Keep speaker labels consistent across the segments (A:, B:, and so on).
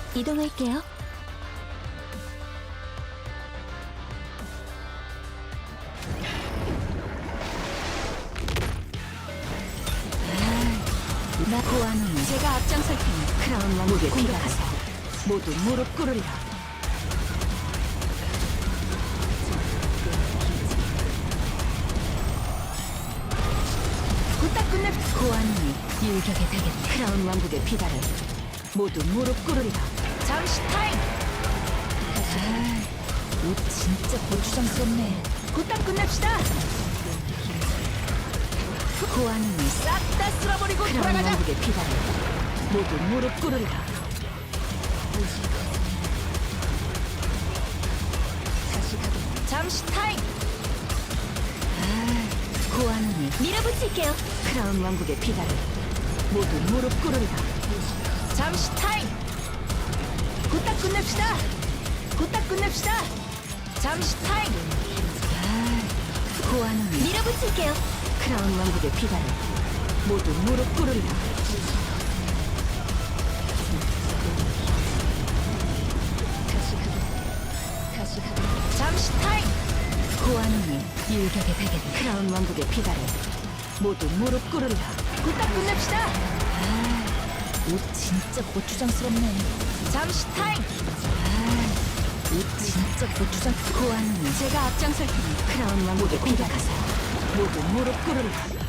A: 이동할게요. 나 고아노니 제가 앞장설 테니 크라운 왕국에 공격하세요. 모두 무릎 꿇으리라. 후딱 끝내 고아노니 일격에 되겠네. 크라운 왕국의 비달을 모두 무릎 꿇으리라. 잠시 타임. 옷 진짜 고추장스럽네. 후딱 끝냅시다. 고아노니 싹 다 쓸어버리고 돌아가자. 왕국의 비달을 모두 무릎 꿇으리라. 다시 가보. 잠시 타임. 고아노니 밀어붙일게요. 크라운 왕국의 비달을 모두 무릎 꿇으리라. 잠시 타임. 곧딱 끝냅시다. 곧딱 끝냅시다. 잠시 타임. 고아노니 밀어붙일게요. 크라운 왕국의 비달을 모두 무릎 꿇으리라. 다시 가보. 잠시 타임. 고아노니 일격에 되겠네. 크라운 왕국의 비달을 모두 무릎 꿇으리라. 곧딱 끝냅시다. 옷 진짜 고추장스럽네. 잠시 타임. 옷 진짜 고추장. 고아노니 제가 앞장설 테니 크라운 왕국의 공격하세요. 모두 무릎 꿇으리라.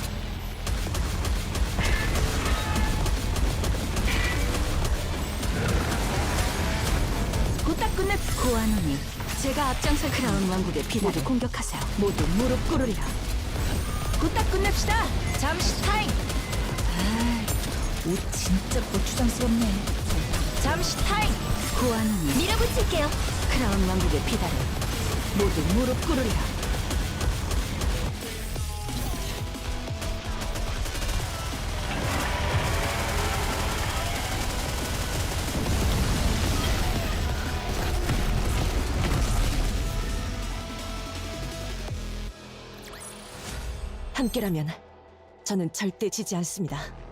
A: 곧딱 끝내. 고아노니 제가 앞장설 크라운 왕국의 비달을 공격하세요. 모두 무릎 꿇으리라. 곧딱 끝냅시다. 잠시 타임. 옷 진짜 고추장스럽네. 잠시 타임. 고아노니 밀어붙일게요. 크라운 왕국의 비달을 모두 무릎 꿇으리라.
B: 함께라면 저는 절대 지지 않습니다.